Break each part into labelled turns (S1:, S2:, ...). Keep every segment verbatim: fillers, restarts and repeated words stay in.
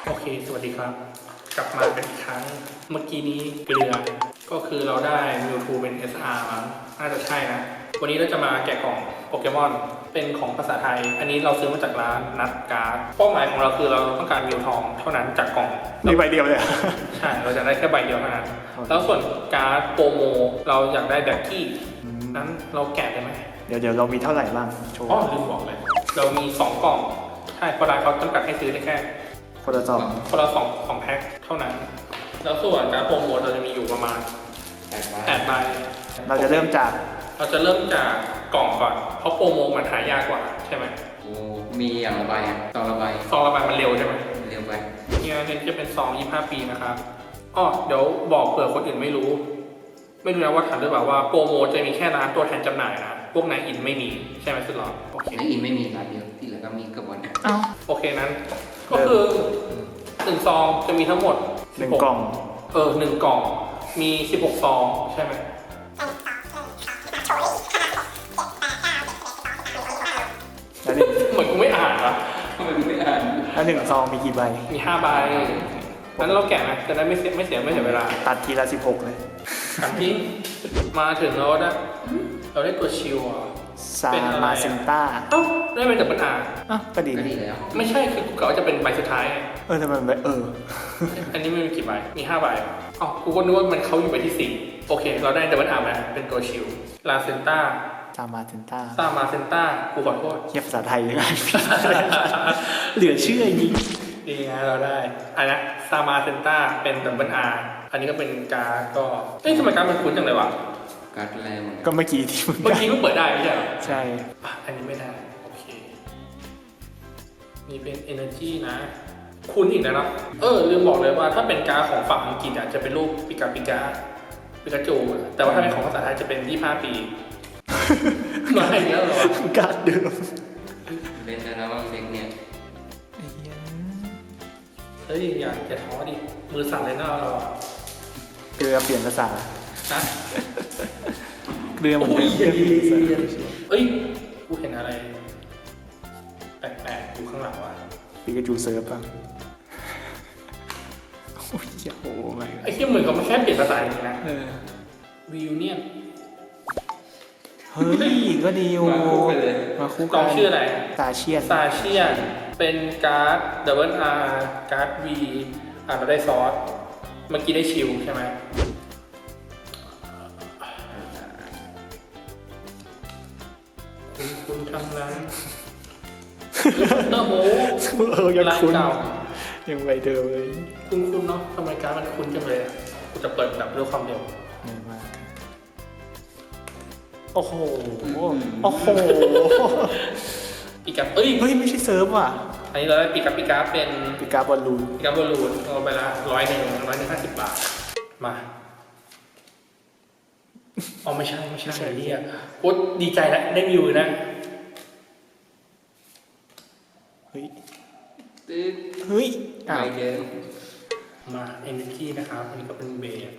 S1: โอเค สวัสดีครับ กลับมาเป็นอีกครั้ง เมื่อกี้นี้เกลือ ก็คือเราได้ มิวทู เป็น เอส อาร์ มั้งน่าจะใช่นะ วันนี้เราจะมาแกะกล่องโปเกมอน เป็นของภาษาไทย อันนี้เราซื้อมาจากร้านนัดการ์ดเป้าหมายของเราคือเราต้องการมิวทองเท่านั้นจากกล่อง
S2: มีใบเดียวเลย
S1: ใช่ เราจะได้แค่ใบเดียวเท่านั้น แล้วส่วนการ์ดโปรโม เราอยากได้แบ็คกี้นั้นเราแกะได้ไหม
S2: เดี๋ยวเดี๋ยวเรามีเท่าไหร่บ้างโชว์
S1: อ๋อลืมบอกเลย เรามีสองกล่อง ใช่เพราะร้านเขาจำกัดให้ซื้อได้แค่
S2: คนละสอง
S1: คนละสองสองแพ็คเท่านั้น แล้วส่วนการโปรโมทเราจะมีอยู่ประมาณแปดใบ
S2: เราจะเริ่มจาก
S1: เราจะเริ่มจากกล่องก่อน เพราะโปรโมทมันหายากกว่าใช่ไหม
S3: โอ้มีอย่างละใบอ่ะซองละใบ
S1: ซองละใบมันเร็วใช่ไหม
S3: เร็วไป
S1: เนี่ยเนี่ยจะเป็นซองยี่สิบห้าปีนะครับอ๋อเดี๋ยวบอกเผื่อคนอื่นไม่รู้ ไม่รู้นะว่าทันหรือเปล่าว่าโปรโมทจะมีแค่ร้านตัวแทนจำหน่ายนะ พวกนายอินไม่มีใช่ไหมสุดหรอโอเค
S3: ในอินไม่มีร้านเดียวที่เหลือก็มีกระบวน
S2: เอ้า
S1: โอเคนั้น ก็คือหนึ่งซองจะมีทั้งหมด
S2: หนึ่งกล่อง
S1: เออหนึ่งกล่องมีสิบหกซองใช่ไหม
S2: แล้วหนึ่ง
S1: เหมือนกูไม่อ่านอะ
S3: ทำไมไม่อ่าน
S2: แล้วหนึ่งซองมีกี่ใบ
S1: มีห้าใบงั้นเราแกะนะจะได้ไม่เสียไม่เสียไม่เสียเวลา
S2: ตัดทีละสิบหกเลย
S1: กันที่มาถึงเราได้เราได้ตัวชิวอ่ะ
S2: ซามาเซนต้า
S1: เอ้าได้เป็นดับเบิลอาร์
S2: อ่ะก็ดี
S3: ก็
S2: นะ
S3: ดีแล้ว
S1: ไม่ใช่คือกูกะว่าจะเป็นใบสุดท้าย
S2: เออทำไมมันแบบเออ
S1: อันนี้ไม่มีกี่ใบมีห้าใบอ๋อกูก็นึกว่ามันเขาอยู่ใบที่สี่โอเค เราได้ดับเบิลอาร์มาเป็นตัวชิวลาเซนต้า
S2: ซามาเซนต้า
S1: ซามาเซนต้ากูขอโทษ
S2: เทียบภาษาไทยเลยนะเหลือเชื่อจริง
S1: ดีนะเราได้อันนี้ซามาเซนต้าเป็นดับเบิลอาร์อันนี้ก็เป็นการ์ดก็เอ้ยทำไมการ์ดมันคุ้นจังเลยวะ
S3: การ์ดแรงเหมือน
S2: ก็
S3: กัน
S2: เมื่อกี้ที่มึง
S1: เมื่อกี้ก็เปิดได้ไม่ใช่เหรอ
S2: ใช่
S1: อ่ะอันนี้ไม่ได้ โอเค นี่เป็น energy นะ คุณอีกนะเนาะเออ ลืมบอกเลยว่าถ้าเป็นการ์ดของฝั่งอังกฤษอ่ะจะเป็นรูปปิกาปิกาปิกาจูอะแต่ว่าถ้าเป็นของภาษาไทยจะเป็นยี่สิบห้าปี มาอีกแล้วเหรอวะ
S2: การ์ดเดิม
S3: เล่นได้แล้วบ้างเด็กเนี่ย
S1: เฮ้ย อย่าอย่าท้อดิ มือสั่นเลยนะเราอะ
S2: เกลือเปลี่ยนภาษา
S1: นะ
S2: เกลือเหมือนเดิม
S1: โอ้ยเย็นเย็นเอ้ย กูเห็นอะไร แปลกๆอยู่ข้างหลังว่ะ
S2: ปิกาจูเซิร์ฟป่ะโอ้ยโอ้ไม่
S1: ไอ้ที่เหมือนกับมันแค่เปลี่ยนภาษาจริงๆนะ
S2: เออ
S1: วิวเนี่ย
S2: เฮ้ยก็ดีโอ
S3: มาคู่กันเลย
S2: มาคู่
S1: ก
S2: กั
S1: อน งชื่ออะไร
S2: ตาเชียน
S1: ซาเชียนเป็นการ์ดดับเบิลอาร์การ์ดวีอ่านเราได้ซอส เมื่อกี้ได้ชิลใช่ไหมคุณคุณทำนั้นเนอร์โม
S2: เออยัง
S1: ร้าน
S2: คุ้น
S1: เก่า
S2: ยังใบเดิมเลย
S1: คุณคุณเนาะทำไมการ์ดมันคุ้นจังเลยอะกูจะเปิดแบบด้วยความเร็ว
S2: เงินมากโอ้โหโอ้โห
S1: ปีกับเอ้ย
S2: เฮ้ยไม่ใช่เซิร์ฟว่ะ
S1: อันนี้เราได้ปีกับปีกาเป็น
S2: ปิกาบอลลูน
S1: ปีกับบอลลูนเอาไปละร้อยหนึ่งร้อยหนึ่งห้าสิบบาท มาอ๋อไม่ใช่ไม่ใช่ไม่ใช่เรียกโคตรดีใจแล้วได้วิวนะ
S2: เฮ้ย
S3: ตึ๊ด
S2: เฮ้ย
S3: ใบ
S2: อ้าว
S3: เดิม
S1: มา energy นะครับ อันนี้ก็เป็นเบส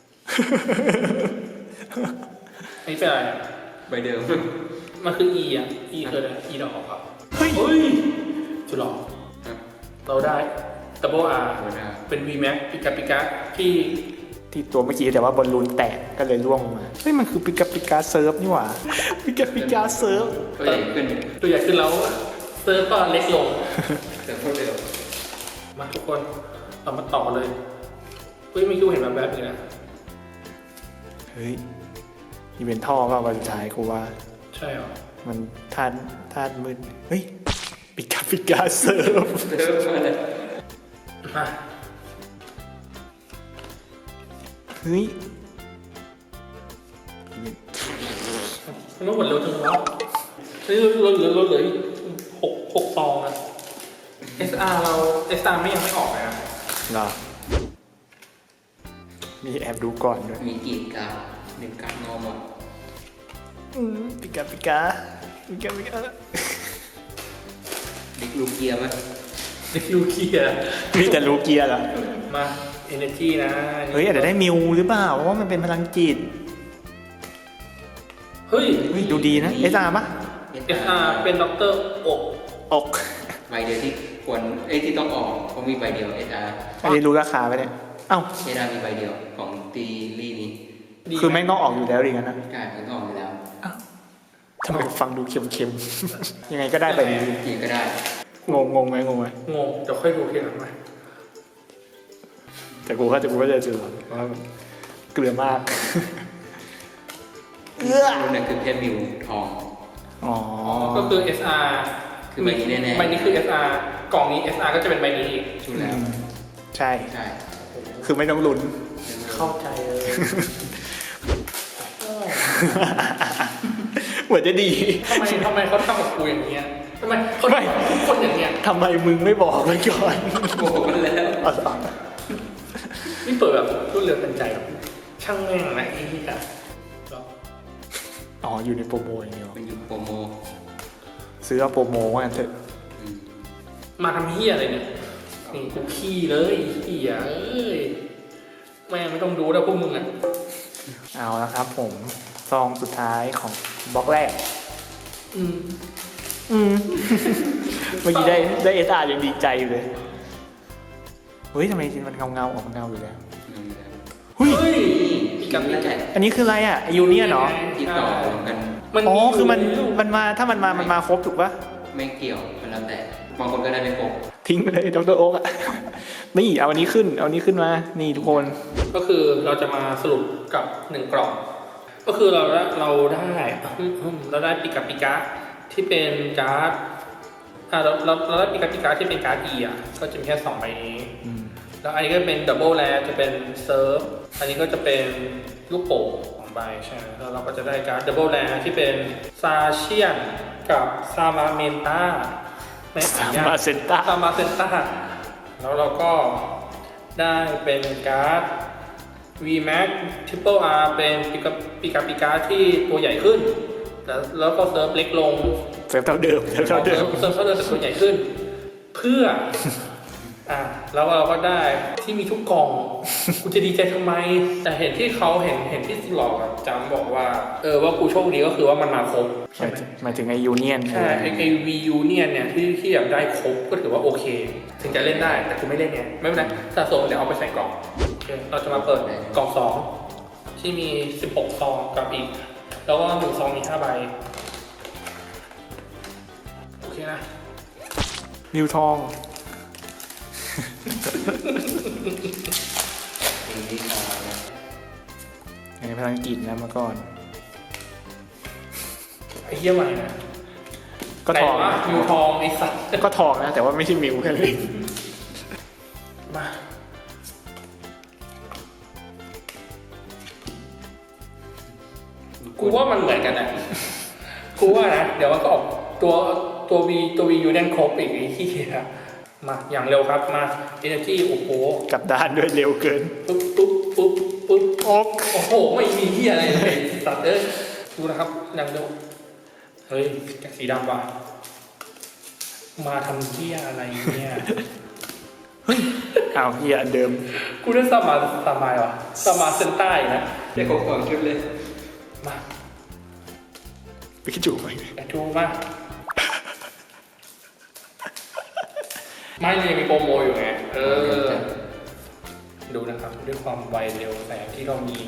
S1: อันนี้เป็นอะไรอะ
S3: ใบเดิม
S1: มันคือ e อ่ะ e คืออะไร e ดอกอ่ะ
S2: เฮ้ย
S1: เฮ้ยจุดหรอ
S3: ครับ
S1: เราได้ double r
S3: โอ้ได้
S1: เป็น v max ปิกาปิกาที่
S2: ที่ตัวเมื่อกี้แต่ว่าบอลลูนแตกก็เลยร่วงลงมาเฮ้ยมันคือปิกาปิกาเซิร์ฟนี่หว่าปิกาปิกาเซิร์ฟ
S3: ก็ใหญ่ขึ้น
S1: ตัวใหญ่ขึ้นแล้วเซิร์ฟก็เล็กลง
S3: แต่พวกเดิม
S1: มาทุกคนเรามาต่อเลยเฮ้ยไม่คิดว่าเห็นแบบแบบนี้นะ
S2: เฮ้ยนี่เป็นท่อเปล่าวันสุดท้ายกูว่า
S1: ใช่เหรอ
S2: มันทานทานมืดเฮ้ยปิกาปิกาเซิร์ฟ
S3: เดิมมาเลย
S1: มา
S2: เฮ้ย
S1: มันหมดเร็วจังวะเฮ้ยเราเหลือเราเหลือหกหกซองอะ เอส อาร์ เรา เอส อาร์ ไม่ยังไม่ออกเลยนะ
S2: เหรอมีแอบดูก่อนด้วย
S3: มีกี่การ์ดหนึ่งการ์ดงอมอ่ะ
S2: อืมปิกาปิกาปิกาปิกา
S3: เด็กลูกเกียร์ไหม
S1: เด็กลูเคีย
S2: มีแต่ลูเกียร์เหรอ
S1: มา energy นะ
S2: เฮ้ยอาจจะได้มิวหรือเปล่าเพราะว่ามันเป็นพลังจิต
S1: เฮ้ย
S2: เฮ้ยดูดีนะเอสอาร์ปะ
S1: เอส อาร์ เป็นด็อกเตอร์อก
S2: อก
S3: ใบเดียวที่ควรไอ้ที่ต้องออกเพราะมีใบเดียวเอสอาร์
S2: อันนี้รู้ราคาไหมเนี่ยเอ้า
S3: เอสอาร์มีใบเดียวของตีลี่นี้
S1: ดี
S2: คือไม่งต้องออกอยู่แล้วดิงั้นนะ
S3: ใช่มันต้องออกอยู่แล้ว
S2: ทำไมฟังดูเค็มๆ ยังไงก็ได้ไปนี้
S3: จีก็ได้
S2: งงงงไหมงงไหม
S1: งงเดี๋ยวค่อยดูทีหลังไหม
S2: แต่กูก็แต่กูก็จะเจอว่าเกลือมาก
S3: รุ่นนั้นคือเพชรมิวทอง
S2: อ๋อ
S1: ก็คือ เอส อาร์
S3: คือใบนี้แน่ๆ
S1: ใบนี้คือ เอส อาร์ กล่องนี้ เอส อาร์ ก็จะเป็นใบนี้อีก
S3: ชุดแล้ว
S2: ใช่
S3: ใช่
S2: คือไม่ต้องลุ้น
S1: เข้าใจเลย
S2: เหมือนจะดี
S1: ทำไมทำไมเขาทำกับกูอย่างเงี้ยทำไมเขาทำกับทุกคนอย่างเงี้ย
S2: ทำไมมึงไม่บอกไว้ก่อน
S3: บอกมันแล้ว
S2: อ๋อเหรอ
S1: นี่เปิดแบบรุ่นเรือเป็นใจแบบช่างแม่งนะไอ้ที่อะ
S2: อ๋ออยู่ในโปรโมอย่างเดียว
S3: มันอยู่โปรโม
S2: ซื้อเอาโปรโมว่างั้นเถอะ
S3: อืม
S1: มาทำเฮียอะไรเนี่ยนี่กูขี้เลยขี้อ่ะเอ้ยแม่งไม่ต้องดูแล้วพวกมึงอ่ะ
S2: เอาละครับผมซองสุดท้ายของบล็อกแรก
S1: อืม
S2: อืม เมื่อกี้ได้ได้เอสอาร์ยังดีใจอยู่เลยเฮ้ยทำไมจริงมันเงาเงาๆออกเงาอยู่แล้ว
S3: อืม
S2: เฮ้ย
S1: เฮ้ย
S3: มีกับนี่แหละ
S2: อันนี้คืออะไรอ่ะยูเนียนเหรอ
S3: ที่ต่อรวมกัน
S2: อ๋อคือมันมันมาถ้ามันมามันมาครบถูกปะ
S3: ไม่เกี่ยวมันแล้วแต่บางคนก็ได้ไม่ครบ
S2: ทิ้งไปเลยดรโอ๊กอ่ะ นี่เอาอันนี้ขึ้น เอาอันนี้ขึ้นมา นี่ทุกคน
S1: ก็คือเราจะมาสรุปกับหนึ่งกล่อง ก็คือเราได้เราได้เราได้ปิกาปิกาที่เป็นการ์ดอ่าเราเราเราได้ปิกาปิกาที่เป็นการ์ด E อ่ะก็จะมีแค่สองใบนี้
S2: อืม
S1: แล้วอันนี้ก็เป็นดับเบิลแลจะเป็นเซิร์ฟอันนี้ก็จะเป็นลูกโป่งสองใบใช่ไหมแล้วเราก็จะได้การ์ดดับเบิลแลที่เป็นซาเชียนกับซามาเมนตา
S2: สามมาเซนต้า
S1: ซามาเซนตาแล้วเราก็ได้เป็นการ์ด V-Max Triple R เป็นปิกาปิกาปิกาที่ตัวใหญ่ขึ้น แล้วแล้วก็เซิร์ฟเล็กลง
S2: เซฟเท่าเดิมเซฟเท่าเดิม
S1: เซิร์ฟเท่าเดิมแต่ตัวใหญ่ขึ้น เพื่อ อ่ะแล้วเราก็ได้ที่มีทุกกล่อง กูจะดีใจทำไม แต่เห็นที่เขาเห็นเห็นที่สลอกอะจำบอกว่า เออว่ากูโชคดีก็คือว่ามันมาครบ
S2: ห
S1: ใช่
S2: มาย
S1: ไหม
S2: ถึงหมายถึงไอยูเนียน
S1: ใช่ไอไอวียูเนี่ยเนี่ยที่ที่แบบได้ครบก็ถือว่าโอเค ถึงจะเล่นได้แต่กูไม่เล่นไงไม่เป็นไรสะสมเดี๋ยวเอาไปใส่กล่องโอเคเราจะมาเปิดกล่องสองที่มีสิบหกซองกับอีก แล้วก็หนึ่งซองมีห้าใบโอเคนะ
S2: นิวทอง
S3: สิ่งที่ทองนะ
S2: ในภาษาอังกฤษนะเมื่อก่อน
S1: ไอ้เหี้ยใหม่นะ
S2: ก็ทอง
S1: แต่ว่ามิวทองไอ้สัตว์
S2: ก็ทองนะ แต่ว่าไม่ใช่มิวแค่นั้นเอง
S1: มากูว่ามันเหมือนกันนะกูว่านะเดี๋ยวมันก็ออกตัวตัววีตัววียูเนียนครบอีกไอ้ที่อะมาอย่างเร็วครับมา Energy โอ้โห
S2: กลับด้านด้วยเร็วเกิน
S1: ปุ๊บปุ๊บปุ๊บปุ๊บ
S2: โอ๊ก
S1: โอ้โหไม่มีที่อะไรเลยสัตว์เอ้ยดูนะครับอย่างเร็วเฮ้ยแกะสีดำว่ะมาทำที่อะไรเนี่ย
S2: เฮ้ยอ้าวเฮียอันเดิม
S1: กูได้สมาสมายว่ะสมาเซนใต้นะ
S3: ได้ครบสองชุดเลย
S1: มา
S2: ปิกาจูไป
S1: แกะดูมาไม่เลยมีโปรโมอยู่ไงเออดูนะครับด้วยความไวเร็วแสงที่เรามี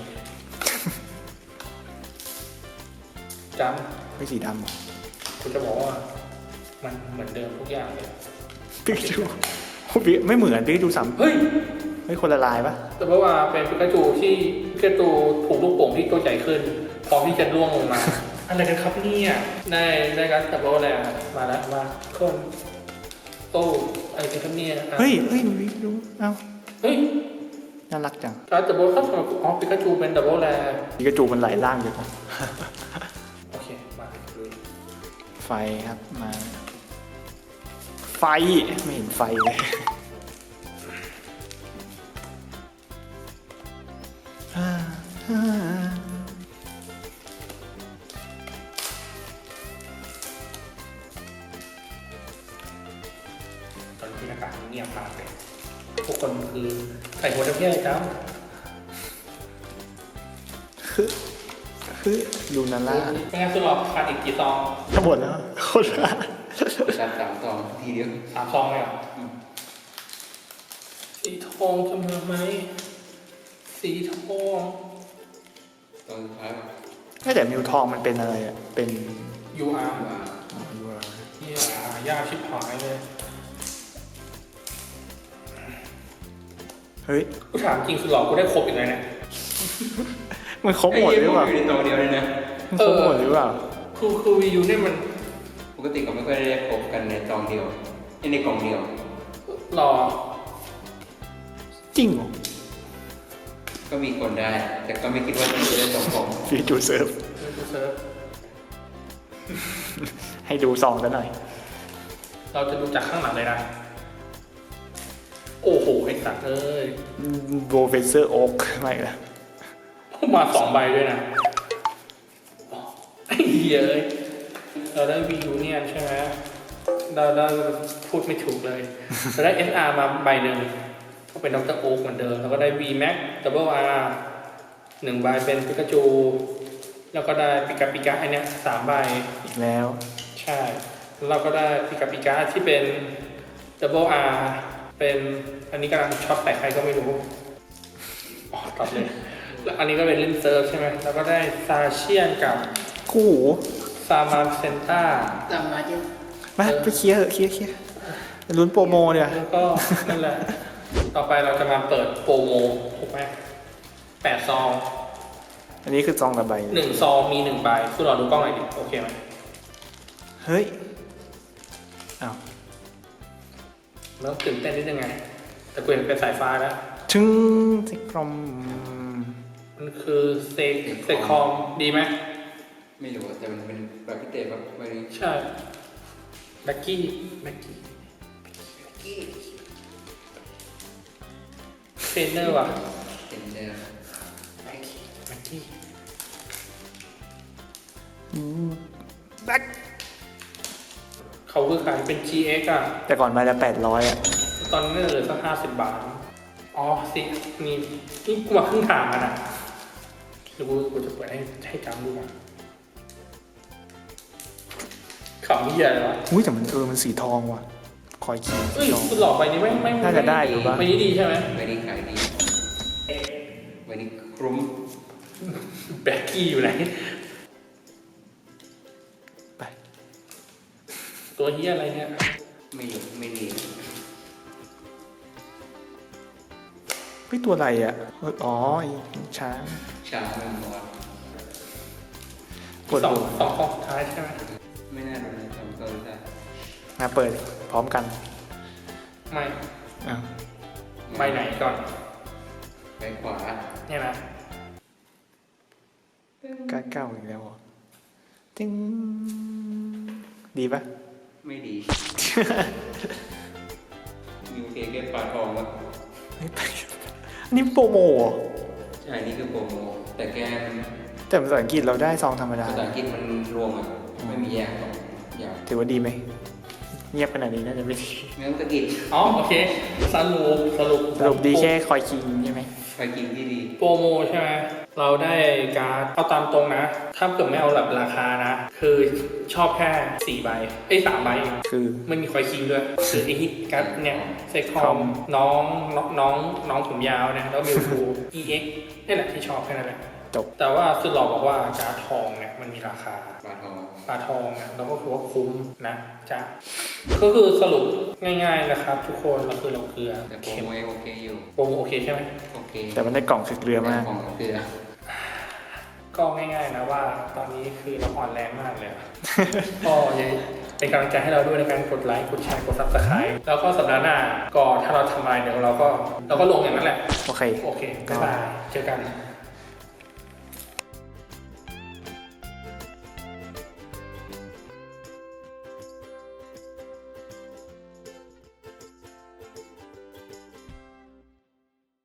S1: จ
S2: ไม่สีดำเหรอ
S1: ำคุณจะบอกว่ามันเหมือนเดิมทุกอย่างเลย
S2: ปิกาจูโอ้ยไม่เหมือนปิกาจูสาม
S1: เฮ้ย
S2: ไม่คนละลายปะ
S1: แต่ว่าเป็นปิกาจูที่ปิกาจูถูกลูกโป่งที่ตัวใหญ่ขึ้นพร้อมที่จะร่วงลงมา อะไรกันครับเนี่ยได้ได้การตับโลแล้วมาแล้วมาคนโอ้อะไรกันครับเนี่ยอ่ะ
S2: เฮ้ยเฮ้ยปิกาจูเอ้า
S1: เฮ้ย
S2: น่ารักจัง
S1: การตับโลครับสำหรับอ๋อปิกาจูเป็นดับเบิลแล
S2: ปิกาจูมันหลายร่างอยู่นะ
S1: โอเคมาดู
S2: ไฟครับมา ไฟไม่เห็นไฟเลยอ่าอ่า
S1: ตอนที่อากาศเงียบมากเลยทุกคนคือใส่หัวจะเพี้ยอะไรจ้า
S2: คือคือลูนาร่า
S1: ไม่งั้นคือหลอกขาดอีกกี่ซอง
S2: ทั้งหมดแล้วคนละ
S3: สามสามสองทีเดียว
S1: สามซองเลยเหรอ
S3: อ
S1: สีทองจะมาไหมสีทอง
S3: ตอนสุดท้ายแบบ
S2: ไม่แต่มิวทองมันเป็นอะไรอ่ะ เป็น
S1: ยูอาร์
S3: ว่า
S2: อ๋อยูอาร์
S1: เฮียหายากชิบหายเลย
S2: เฮ้ย
S1: กูถามจริงสุดหล่อกูได้ครบอีกเลยเนี่ย
S2: มันครบหมดหรือเปล่า
S3: อยู่ในตัวเดียวเลยนะ
S2: มันครบหมดหรือเปล่า
S1: คือคือวียูเนี่ยมัน
S3: ปกติก็ไม่ค่อยได้พบกันในซองเดียวในกล่องเดียว
S1: หล่อ
S2: จริงเหรอ
S3: ก็มีคนได้ แต่ก็ไม่คิดว่าจะได้สองกล่อง
S2: ฟีจูเซิร์ฟ
S1: ไม่ดูเซิร์ฟ
S2: ให้ดูซองกันหน่อย
S1: เราจะดูจากข้างหลังเลยนะ โอ้โหไอ้สัตว์เอ้ย
S2: โบเฟเซอร์โอ๊กไม่ละ
S1: มาสองใบด้วยนะไอ้เหี้ยเอ้ยเราได้วียูเนี่ยใช่ไหมเราได้พูดไม่ถูกเลยเราได้ เอส อาร์ มาใบหนึ่งก็เป็นดรโอ๊กเหมือนเดิมแล้วก็ได้ V Max Double R หนึ่งใบเป็นปิกาจู แล้วก็ได้ปิกาปิกาอันเนี้ยสามใบ
S2: อีกแล้ว
S1: ใช่แล้วเราก็ได้ปิกาปิกาที่เป็น Double R เป็นอันนี้กำลังช็อตแต่ใครก็ไม่รู้อ๋อตัดเลยแล้วอันนี้ก็เป็นเล่นเซิร์ฟใช่ไหมแล้วก็ได้ซาเชียนกับ
S2: คู่หู
S1: ซามาเซนต้า
S3: ตามมาเจ้า
S2: มาไปเคลียร์เถอะเคลียร์เคลียร์ลุ้นโปรโมเนี่ย
S1: แล้วก็นั่นแหละ ต่อไปเราจะมาเปิดโปรโมถูกไหมแปดซอง
S2: อันนี้คือซองละใบ
S1: หนึ่งซองมีหนึ่งใบคือเราดูกล้องหน่อยดิโอเคไหม
S2: เฮ้ย อ้าว
S1: แล้วตื่นเต้นนิดนึงไง แต่กูเห็นเป็นสายฟ้าแล้ว
S2: ชึ้งสิกรม
S1: มันคือเซกเซคอมดีไหม
S3: ไม่รู้แต่มันเป็นแบบพิเศษแบบวันนี้
S1: ใช่แบ็กกี้แบ็กกี้เทรนเนอร์ว่ะ
S3: เห็นเดิม
S1: แบ็กกี้แบ็กกี้
S2: แบ็ค
S1: เขาคือขายเป็น จี เอ็กซ์ อ่ะ
S2: แต่ก่อนมาละแปดร้อยอ่ะ
S1: ตอนนี้เหลือสักห้าสิบบาท อ๋อสินี่นี่กูมาครึ่งทางแล้วนะเดี๋ยวกูกูจะเปิดให้ให้จำดูก่อนขำเหี้ยอะไรวะ
S2: อุ้ยแต่มันเออมันสีทองว่ะ คอยคี
S1: เอ้
S2: สี
S1: ย
S2: ทอง
S1: คุณหลอกใบนี้ไม่ไม่
S2: น่าจะได้อยู่ปะ
S1: ใบนี้ดีใช่ไหม
S3: วันนี้ขายดีวันนี้คลุ้ม
S1: แบ็กกี้อยู่ไหน
S2: ไป
S1: ตัวเหี้ยอะไรเนี่ย
S3: ไม่อยู่ไม่ดี
S2: เฮ้ยตัวอะไรอ่ะเอออ๋อไอ้ช้าง
S3: ช้าไม่หมด
S2: ปวด
S1: สอง
S2: หัว
S1: สองข้อสุดท้ายใช่ไหม
S3: ไม่น่าโดนทำตัวได้
S2: มาเปิดพร้อมกัน
S1: ไม่
S2: อ้าว
S1: ใบไหนก่อน
S3: ไปขวา
S1: เนี่ยนะ
S2: ก้าเก้าอีกแล้วเหรอติ้งดีปะ
S3: ไม่ดียูเคเก็บปลาทองแล้ว
S2: เฮ้ยไปอันนี้โปรโมเหรอ
S3: ใช่นี่คือโปรโมแต่แกมัน
S2: แต่ภาษาอังกฤษเราได้ซองธรรมดา
S3: ภาษาอังกฤษมันรวมอ่ะไม่มีแยกหรอกอย่าง
S2: ถือว่าดีไหม เงียบขนาดนี้น่าจะไม่ดี
S3: ไม่ต้องสะกิด
S1: อ๋อโอเคสรุปสรุป
S2: สรุปดีแค่คอยคีใช่ไหม
S3: ไปกินที่ดี
S1: โปรโมใช่ไหมเราได้การ์ดเอาตามตรงนะ ถ้าเกิดไม่เอาแบบราคานะ คือชอบแค่สี่ใบเอ้ยสามใบเอง
S2: คือ
S1: ไม่มีคอยคิงด้วยคือไอฮิตการ์ดเนี่ยเซคอมน้องน้องน้องน้องผมยาวเนี่ยแล้วมิวทู อี เอ็กซ์ นี่แหละที่ชอบแค่นั้นแหละ
S2: จบ
S1: แต่ว่าสุดหล่อบอกว่าการ์ดทองเนี่ยมันมีราคา
S3: ปลาทอง
S1: ปลาทองเนี่ยเราก็คือว่าคุ้มนะจ้ะก็คือสรุปง่ายๆนะครับ ทุกคนเราคือเราเกลือ
S3: แต่โปร
S1: เค็ม
S3: โมโอเคอยู่
S1: โปรโมโอเคใช่ไหม
S3: โอเค
S2: แต่มันได้กล่องคือเกลือมาก
S3: ของเกลือ
S1: ก็ง่ายๆนะว่าตอนนี้คือเราอ่อนแรงมากเลยอะ ก็ยังเป็นกำลังใจให้เราด้วยในการกดไลค์กดแชร์กดซับสไครต์แล้วก็สัปดาห์หน้าก็ถ้าเราทำอะไรเดี๋ยวเราก็เราก็ลงอย่างนั้นแหละ
S2: โอเค
S1: โอเคบ๊ายบายเจอกัน